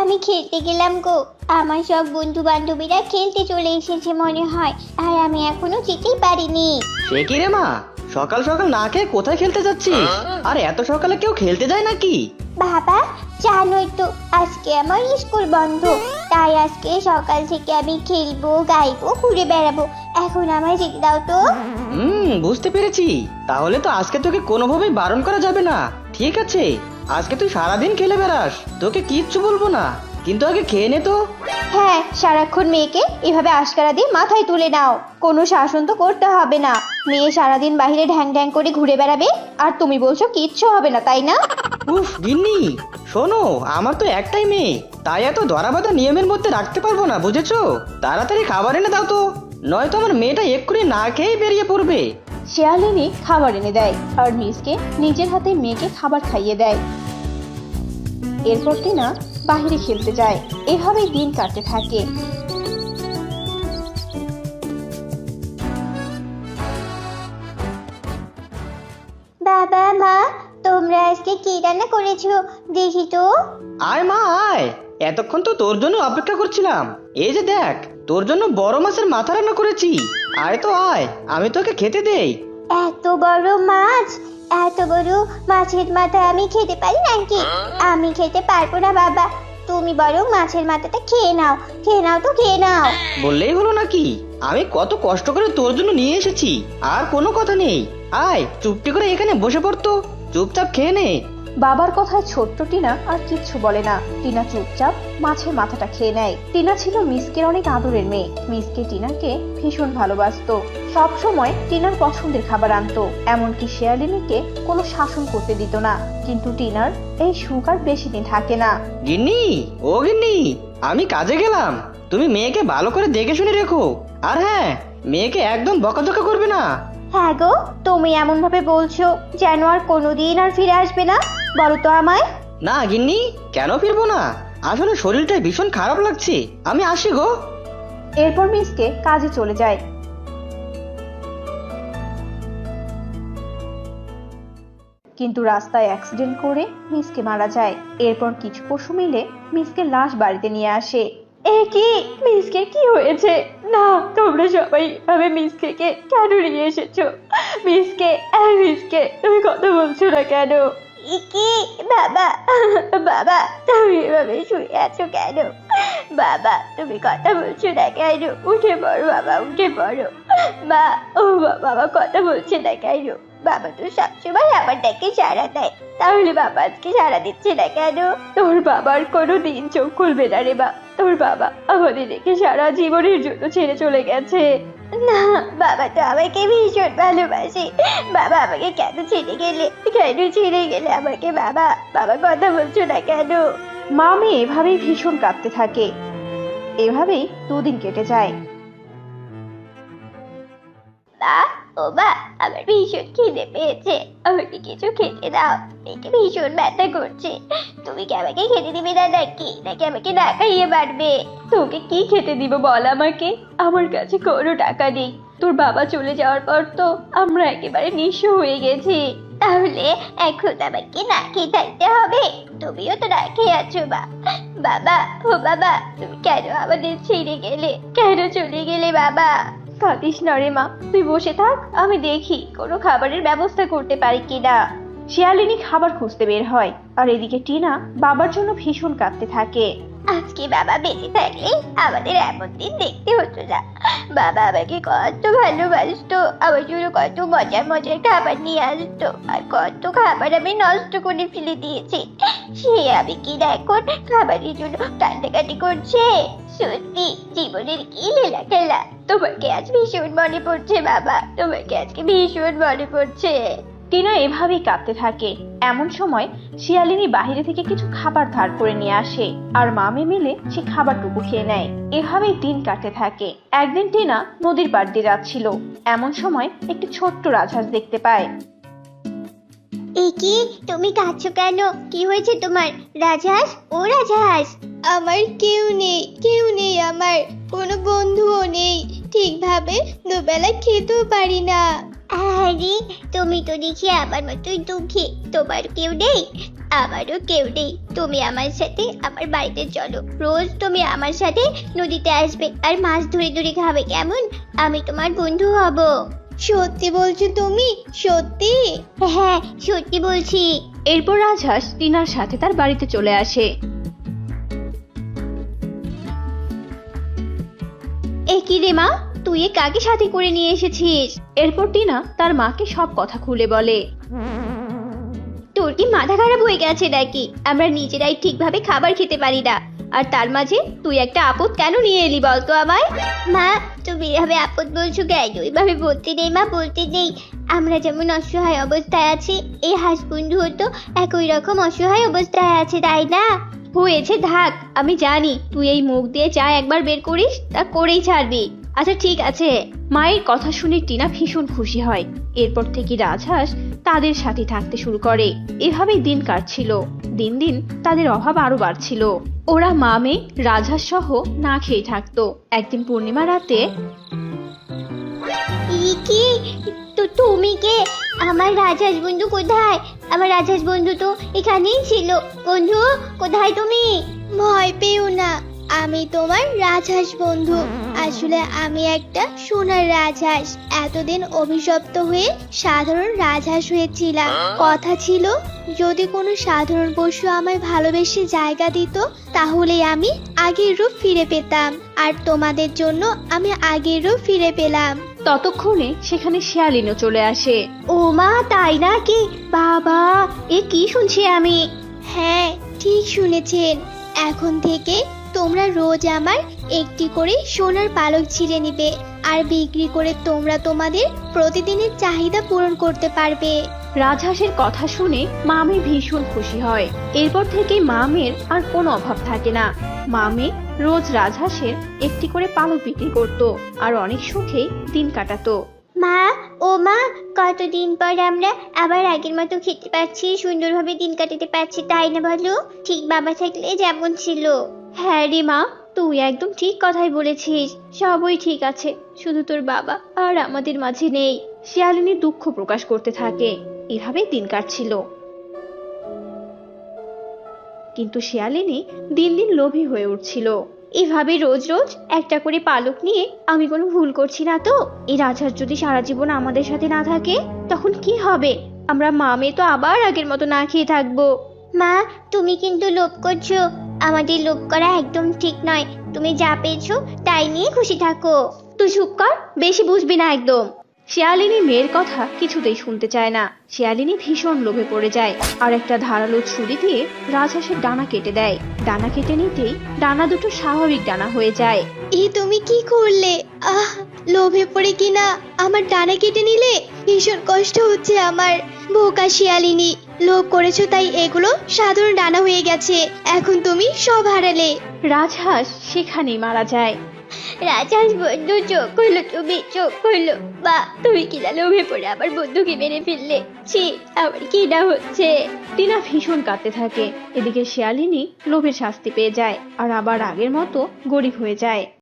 আমি খেলতে গেলাম গো। আমার সব বন্ধু বান্ধবীরা খেলতে চলে এসেছে মনে হয়, আর আমি এখনো যেতেই পারিনি। সে কি রে মা, সকাল সকাল না খেয়ে কোথায় খেলতে যাচ্ছিস? আর এত সকালে কেউ খেলতে যায় নাকি? বাবা, জানোই তো আজকে আমার স্কুল বন্ধ, তাই আজকে সকাল থেকে আমি খেলবো, গাইবো, ঘুরে বেড়াবো। এখন আমায় যেতে দাও তো। বুঝতে পেরেছি। তাহলে তো আজকে তোকে কোনোভাবেই বারণ করা যাবে না, ঠিক আছে? আজকে তুই সারাদিন খেলে বেড়াস, তোকে কিচ্ছু বলবো না, কিন্তু আগে খেয়ে নে তো। হ্যাঁ, সারাক্ষণ মেয়েকে এভাবে আশকারা দিয়ে মাথায় তুলে নাও, কোনো শাসন তো করতে হবে না। মেয়ে সারাদিন বাইরে ঢ্যাং ঢ্যাং করে ঘুরে বেড়াবে, আর তুমি বলছো কিচ্ছু হবে না, তাই না? উফ গিন্নি, শোনো, আমার তো একটাই মেয়ে, তাই এত ধরাবাঁধা নিয়মের মধ্যে রাখতে পারবো না, বুঝেছো? তাড়াতাড়ি খাবার এনে দাও তো, নয়তো আমার মেয়েটা এক্ষুনি না খেয়েই বেরিয়ে পড়বে। শিয়ালিনী খাবার এনে দেয় আর মিসকে নিজের হাতে মেয়েকে খাবার খাইয়ে দেয়। এরপর টিনা বাহিরে খেলতে যায়। এভাবেই দিন কাটতে থাকে। বাবা, মা, তোমরা আজকে কি রান্না করেছো দেখি তো। আয় মা আয়, এতক্ষণ তো তোর জন্য অপেক্ষা করছিলাম। এই যে দেখ, তোর জন্য বড় মাছের মাথা রান্না করেছি। আয় তো আয়, আমি তোকে খেতে দেই। এত বড় মাছ, এত বড় মাছের মাথা আমি খেতে পারি নাকি? আমি খেতে পারবো না বাবা, তুমি বরং মাছের মাথাটা খেয়ে নাও, খেয়ে নাও তো, খেয়ে নাও। বললেই হলো নাকি? আমি কত কষ্ট করে তোর জন্য নিয়ে এসেছি, আর কোনো কথা নেই। আয় চুপটি করে এখানে বসে পড়তো, চুপচাপ খেয়ে নে। বাবার কথায় ছোট্ট টিনা আর কিচ্ছু বলে না। টিনা চুপচাপ মাছের মাথাটা খেয়ে নেয়। টিনা ছিল মিসকের অনেক আদরের মেয়ে। মিসকে টিনাকে ভীষণ ভালোবাসতো, সব সময় টিনার পছন্দের খাবার আনতো, এমনকি শিয়ালিনীকে কোনো শাসন করতে দিত না। কিন্তু টিনার এই সুখ আর বেশি দিন থাকে না। গিন্নি, ও গিন্নি, আমি কাজে গেলাম, তুমি মেয়েকে ভালো করে দেখে শুনে রেখো। আর হ্যাঁ, মেয়েকে একদম বকাঝকা করবে না। হ্যাঁ গো, তুমি এমন ভাবে বলছো যেন আর কোনোদিন আর ফিরে আসবে না। বলো তো আমায়। না গিন্নি, কেন ফিরবো না? আসলে শরীরটা ভীষণ খারাপ লাগছে, আমি আসি গো। এরপর মিসকে কাজে চলে যায়। কিন্তু রাস্তায় অ্যাক্সিডেন্ট করে মিসকে মারা যায়। এরপর কিছু পশু মিলে মিসকে লাশ বাড়িতে নিয়ে আসে। এ কি, মিসকে কি হয়েছে? না, তোমরা সবাই এভাবে মিসকে কেন নিয়ে এসেছো? মিসকে, মিসকে, তুমি কথা বলছো না কেন? কি বাবা, বাবা তুমি এভাবে শুয়ে আছো কেন? বাবা তুমি কথা বলছো না কেন? উঠে পড়ো বাবা, উঠে পড়ো। মা, ও বাবা কথা বলছে না কেন? বাবা তো সবসময় আমার ডাকে সাড়া দেয়, তাহলে বাবা আজকে সাড়া দিচ্ছে না কেন? তোর বাবার কোনো দিন চোখ খুলবে না রে বা। তোর বাবা আমাদের রেখে সারা জীবনের জন্য ছেড়ে চলে গেছে। না, বাবা তো আমাকে ভীষণ ভালোবাসে। বাবা আমাকে কেন ছেড়ে গেলে, কেন ছেড়ে গেলে আমাকে বাবা? বাবা কথা বলছো না কেন? মা মেয়ে এভাবেই ভীষণ কাঁদতে থাকে। এভাবেই দুদিন কেটে যায়। মা, ও মা, আমার ভীষণ খিদে পেয়েছে, আমাকে কিছু খেতে দাও, পেটে ভীষণ ব্যথা করছে। তুমি কি আমাকে খেতে দিবে না নাকি, নাকি আমাকে না খাইয়ে মারবে? তোকে কি খেতে দিব বল আমাকে? আমার কাছে কোনো টাকা নেই। তোর বাবা চলে যাওয়ার পর তো আমরা একেবারে নিঃস্ব হয়ে গেছি। তাহলে এখন আমাকে না খেয়ে থাকতে হবে? তুমিও তো না খেয়ে আছো মা। বাবা, ও বাবা, তুমি কেন আমাদের ছেড়ে গেলে, কেন চলে গেলে বাবা? কাঁদিস না রে মা, তুই বসে থাক, আমি দেখি কোনো খাবারের ব্যবস্থা করতে পারি কিনা। শিয়ালিনী খাবার খুঁজতে বের হয়, আর এদিকে টিনা বাবার জন্য ভীষণ কাঁদতে থাকে। আজকে বাবা বেঁচে থাকলে আমাদের এমন দিন দেখতে হতো না। বাবা আমাকে কত ভালোবাসতো, আমার জন্য কত মজার মজার খাবার নিয়ে আসতো, আর কত খাবার আমি নষ্ট করে ফেলে দিয়েছি। সে আমি কি এখন খাবারের জন্য কান্নাকাটি করছে? সত্যি জীবনের কি লীলা খেলা। তোমাকে আজ ভীষণ মনে পড়ছে বাবা, তোমাকে আজকে ভীষণ মনে পড়ছে। টিনা এভাবেই কাঁদতে থাকে। এমন সময় শিয়ালিনী বাহিরে থেকে কিছু খাবার ধার করে নিয়ে আসে, আর মামে মিলে সে খাবারটুকু খেয়ে নেয়। এভাবেই দিন কাটতে থাকে। একদিন টিনা নদীর পাড় দিয়ে যাচ্ছিল। এমন সময় একটি ছোট্ট রাজহাঁস দেখতে পায়। কি, তুমি কাঁদছো কেন? কি হয়েছে তোমার রাজহাঁস? ও রাজহাঁস, আমার কেউ নেই, কেউ নেই, আমার কোনো বন্ধুও নেই, ঠিকভাবে দুবেলা খেতেও পারি না। আরে তুমি তো দেখি আমার মতোই দুঃখী, তোমার কেউ নেই? আমারও কেউ নেই, তুমি আমার সাথে আমার বাড়িতে চলো। রোজ তুমি আমার সাথে নদীতে আসবে আর মাছ ধরে ধরে খাবে, কেমন? আমি তোমার বন্ধু হব। সত্যি বলছো তুমি? সত্যি? হ্যাঁ, সত্যি বলছি। এরপর রাজহাঁস টিনার সাথে তার বাড়িতে চলে আসে। এ কি রে মা, তুই এ কাকে সাথে করে নিয়ে এসেছিস? এরপর টিনা তার মাকে সব কথা খুলে বলে। তোর কি মাথা খারাপ হয়ে গেছে নাকি? আমরা নিজেরাই ঠিকভাবে খাবার খেতে পারি না, আর তার মাঝে তুই একটা আপদ কেন নিয়ে এলি বলতো আমায়? মা, তুমি এভাবে আপদ বলছো কেন? এভাবে বলতে নেই মা, বলতে নেই। আমরা যেমন অসহায় অবস্থায় আছি, এই হাঁস বন্ধুও তো একই রকম অসহায় অবস্থায় আছে, তাই না? হয়েছে থাক, আমি জানি তুই এই মুখ দিয়ে যা একবার বের করিস তা করেই ছাড়বি। আচ্ছা ঠিক আছে। মায়ের কথা শুনে টিনা ভীষণ খুশি হয়। এরপর থেকে রাজহাঁস তাদের সাথে থাকতে শুরু করে। এভাবেই দিন কাটছিল। দিন দিন তাদের অভাব আরো বাড়ছিল। ওরা মা মেয়ে রাজহাঁস সহ না খেয়ে থাকতো। একদিন পূর্ণিমা রাতে কি? তো তুমি কে? আমার রাজহাঁস বন্ধু কোথায়? আমার রাজহাঁস বন্ধু তো এখানেই ছিল। বন্ধু, কোথায় তুমি? ভয় পেও না, আমি তোমার রাজহাঁস বন্ধু। আসলে আমি একটা সোনার রাজহাঁস। এতদিন অভিশপ্ত হয়ে সাধারণ রাজহাঁস হয়েছিলাম। কথা ছিল, যদি কোনো সাধারণ পশু আমায় ভালোবেসে জায়গা দিত, তাহলে আমি আগের রূপ ফিরে পেতাম। আর তোমাদের জন্য আমি আগের রূপ ফিরে পেলাম। ততক্ষণে সেখানে শিয়ালিনও চলে আসে। ও মা, তাই নাকি? বাবা, এ কি শুনছি আমি? হ্যাঁ, ঠিক শুনেছেন। এখন থেকে তোমরা রোজ আমার একটি করে সোনার পালক ছিঁড়ে নিবে, আর বিক্রি করে তোমরা তোমাদের প্রতিদিনের চাহিদা পূরণ করতে পারবে। রাজহাঁসের কথা শুনে মামে ভীষণ খুশি হয়। এরপর থেকে মামের আর কোনো অভাব থাকে না। মামে রোজ রাজহাঁসের একটি করে পালক বিক্রি করত আর অনেক সুখেই দিন কাটাতো। মা, ও মা, কতদিন পর আমরা আবার আগের মতো খেতে পাচ্ছি, সুন্দরভাবে দিন কাটাতে পারছি, তাই না বলো? ঠিক বাবা থাকলে যেমন ছিল। হ্যাঁ রে মা, তুই একদম ঠিক কথাই বলেছিস। সবই ঠিক আছে, শুধু তোর বাবা আর আমাদের মাঝে নেই। শিয়ালিনী দুঃখ প্রকাশ করতে থাকে। এভাবেই দিন কাটছিল। কিন্তু শিয়ালিনী দিন দিন লোভী হয়ে উঠছিল। এভাবে রোজ রোজ একটা করে পালক নিয়ে আমি কোনো ভুল করছি না তো? এই রাজহাঁস যদি সারা জীবন আমাদের সাথে না থাকে, তখন কি হবে? আমরা মা মেয়ে তো আবার আগের মতো না খেয়ে থাকবো। মা, তুমি কিন্তু লোভ করছো। আমাদের লোভ করা একদম ঠিক নয়। তুমি যা পেয়েছো তাই নিয়ে খুশি থাকো। তুই চুপ কর, বেশি বুঝবি না একদম। শিয়ালিনী মেয়ের কথা কিছুতেই শুনতে চায় না। শিয়ালিনী ভীষণ লোভে পড়ে যায় আর একটা ধারালো ছুরি দিয়ে রাজহাঁসের ডানা কেটে দেয়। ডানা কেটে নিতেই ডানা দুটো স্বাভাবিক ডানা হয়ে যায়। তুমি কি করলে? লোভে পড়ে কিনা আমার ডানা কেটে নিলে? ভীষণ কষ্ট হচ্ছে আমার। বোকা শিয়ালিনী, লোভ করেছো তাই এগুলো সাধারণ ডানা হয়ে গেছে। এখন তুমি সব হারালে। রাজহাঁস সেখানেই মারা যায়। রাজহাঁস বন্ধু, চোখ হলো, তুমি চোখ হলো। বা, তুমি কিনা লোভে পড়ে আমার বন্ধুকে মেরে ফেললে। ছি, আমার কি না হচ্ছে। টিনা ভীষণ কাঁদতে থাকে। এদিকে শিয়ালিনী লোভের শাস্তি পেয়ে যায় আর আবার আগের মতো গরিব হয়ে যায়।